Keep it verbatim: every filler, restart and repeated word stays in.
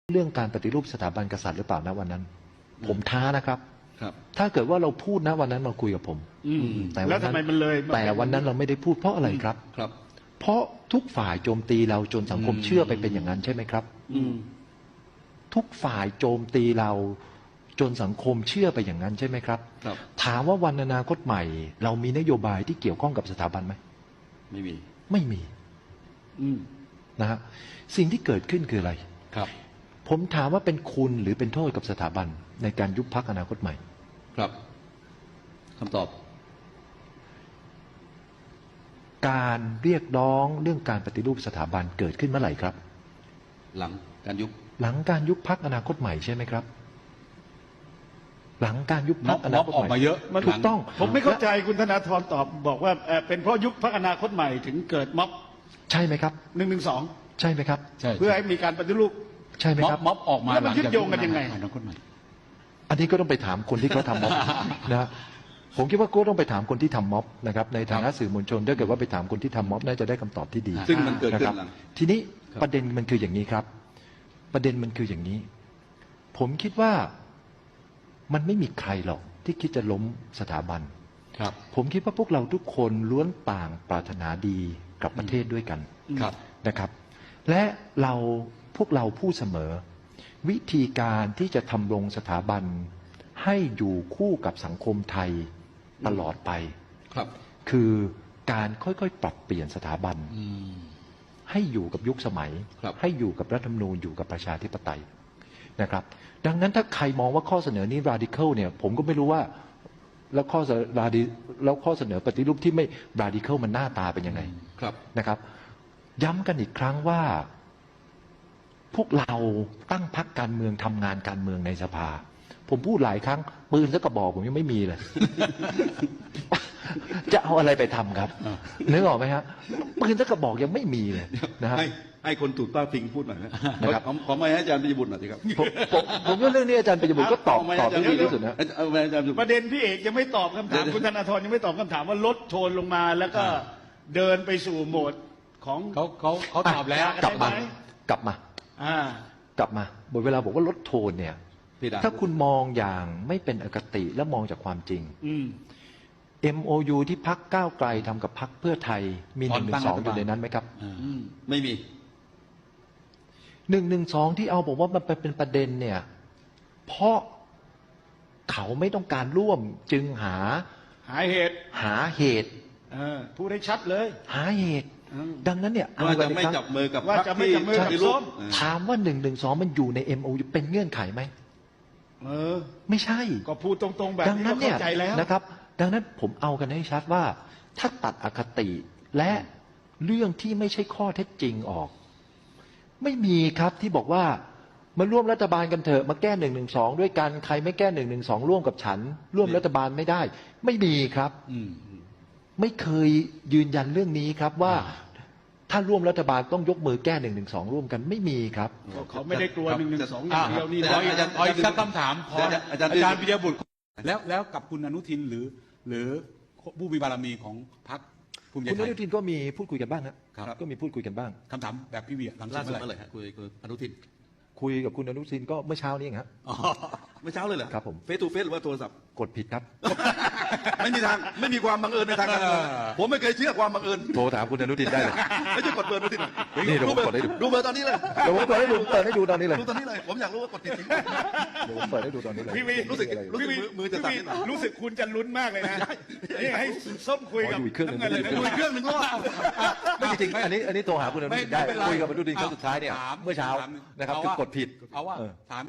เรื่องการปฏิรูปสถาบันกษัตริย์หรือเปล่านะวันนั้นผมท้านะครับครับถ้าเกิดว่าเราพูดนะวันนั้นมาคุยกับผมแต่แล้วทำไมมันเลยแต่วันนั้นเราไม่ได้พูดเพราะอะไรครับครับเพราะทุกฝ่ายโจมตีเราจนสังคมเชื่อไปเป็นอย่างนั้นใช่ไหมครับทุกฝ่ายโจมตีเราจนสังคมเชื่อไปอย่างนั้นใช่ไหมครับถามว่าวันอนาคตใหม่เรามีนโยบายที่เกี่ยวข้องกับสถาบันไหมไม่มีไม่มีนะฮะสิ่งที่เกิดขึ้นคืออะไรครับผมถามว่าเป็นคุณหรือเป็นโทษกับสถาบันในการยุบพรรคอนาคตใหม่ครับคำตอบการเรียกร้องเรื่องการปฏิรูปสถาบันเกิดขึ้นเมื่อไหร่ครับหลังการยุบหลังการยุบพรรคอนาคตใหม่ใช่ไหมครับหลังการยุบพรรคอนาคตใหม่ออกมาเยอะถูกต้องผมไม่เข้าใจคุณธนาธรตอบบอกว่าเป็นเพราะยุบพรรคอนาคตใหม่ถึงเกิดม็อบใช่ไหมครับหนึ่งหนึ่งสองใช่ไหมครับเพื่อให้มีการปฏิรูปใช่ไหมครับม็อบออกมาแล้วมันยึดโยงกันยังไงอนาคตใหม่อันนี้ก็ต้องไปถามคนที่เขาทำม็อบนะผมคิดว่าก็ต้องไปถามคนที่ทำม็อบนะครับในฐานะสื่อมวลชนถ้าเกิดว่าไปถามคนที่ทำม็อบน่าจะได้คำตอบที่ดีซึ่งมันเกิดขึ้นหลังทีนี้ประเด็นมันคืออย่างนี้ครับประเด็นมันคืออย่างนี้ผมคิดว่ามันไม่มีใครหรอกที่คิดจะล้มสถาบันครับผมคิดว่าพวกเราทุกคนล้วนต่างปรารถนาดีกับประเทศด้วยกันนะครับและเราพวกเราพูดเสมอวิธีการที่จะทำรงสถาบันให้อยู่คู่กับสังคมไทยตลอดไปครับคือการค่อยๆปรับเปลี่ยนสถาบันให้อยู่กับยุคสมัยให้อยู่กับรัฐธรรมนูญอยู่กับประชาธิปไตยนะครับดังนั้นถ้าใครมองว่าข้อเสนอนี้ radical เนี่ยผมก็ไม่รู้ว่าแล้วข้อแล้วข้อเสนอปฏิรูปที่ไม่ radical มันหน้าตาเป็นยังไงนะครับย้ำกันอีกครั้งว่าพวกเราตั้งพรรคการเมืองทำงานการเมืองในสภาผมพูดหลายครั้งปืนสักกระบอกผมยังไม่มีเลย จะเอาอะไรไปทำครับนึกออกไหมฮะปืนสักกระบอกยังไม่มีเลยนะฮะให้ให้คนถูกต้าพิงพูดหน่อยนะครับขอไม่ให้อาจารย์ปิยบุตรหน่อยสิครับผมผมว่าเรื่องนี้อาจารย์ปิยบุตรก็ตอบตอบได้ดีที่สุดนะประเด็นพี่เอกยังไม่ตอบคำถามคุณธนาธรยังไม่ตอบคำถามว่าลดโทนลงมาแล้วก็เดินไปสู่โหมดของเขาเขาเขาตอบแล้วกลับมากลับมากลับมาบทเวลาบอกว่าลดโทนเนี่ยถ้าคุณมองอย่างไม่เป็นอคติและมองจากความจริง เอ็ม โอ ยู ที่พรรคก้าวไกลทำกับพรรคเพื่อไทยมีหนึ่งหนึ่งสองอยู่ในนั้นไหมครับไม่มีหนึ่งหนึ่งสองที่เอาบอกว่ามันเป็นประเด็นเนี่ยเพราะเขาไม่ต้องการร่วมจึงหาหาเหตุหาเหตุพูดให้ชัดเลยหาเหตุดังนั้นเนี่ยว่าจะไม่จับมือกับว่าจะไม่จับมือกับส้มถามว่าหนึ่งหนึ่งสองมันอยู่ใน เอ็ม โอ ยู เป็นเงื่อนไขไหมเออไม่ใช่ก็พูดตรงๆแบบนี้ก็เข้าใจแล้วนะครับดังนั้นผมเอากันให้ชัดว่าถ้าตัดอคติและเรื่องที่ไม่ใช่ข้อเท็จจริงออกไม่มีครับที่บอกว่ามาร่วมรัฐบาลกันเถอะมาแก้หนึ่งหนึ่งสองด้วยกันใครไม่แก้หนึ่งหนึ่งสองร่วมกับฉันร่วมรัฐบาลไม่ได้ไม่มีครับไม่เคยยืนยันเรื่องนี้ครับว่าถ้าร่วมรัฐบาลต้องยกมือแก้หนึ่งหนึ่งสองร่วมกันไม่มีครับเขาไม่ได้กลัวหนึ่งหนึ่งสองอย่างเดียวนี่อาจารย์อีกสักคำถามพออาจารย์อาจารย์ปิยบุตรแล้วแล้วกับคุณอนุทินหรือหรือผู้มีบารมีของพรรคภูมิใจไทยคุณอนุทินก็มีพูดคุยกันบ้างครับก็มีพูดคุยกันบ้างคำถามแบบพี่เวียหลังสุดเมื่อไหร่คุยกับอนุทินคุยกับคุณอนุทินก็เมื่อเช้านี้เองครับเมื่อเช้าเลยเหรอครับผมเฟซทูเฟซหรือว่าโทรศัพท์กดผิดครับไม่มีทางไม่มีความบังเอิญในทางการเมืองผมไม่เคยเชื่อความบังเอิญโทรถามคุณอนุทินได้เลยไม่ใช่กดเบอร์อนุทินนี่เดี๋ยวผมกดให้ดูดูเบอร์ตอนนี้เลยเดี๋ยวผมกดให้ดูเปิดให้ดูตอนนี้เลยดูตอนนี้เลยผมอยากรู้ว่ากดผิดจริงเดี๋ยวผมเปิดให้ดูตอนนี้เลยพี่วีรู้สึกรู้สึกมือจะสั่นรู้สึกคุณจะลุ้นมากเลยนะนี่ให้ส้มคุยกับเครื่องนึงคุยเครื่องนึงรอบไม่จริงอันนี้อันนี้โทรหาคุณอนุทินได้คุยกับอนุทินครั้งสุดท้ายเนี่ยเมื่อเช้านะครับคือกดผิดเอาว่าถาม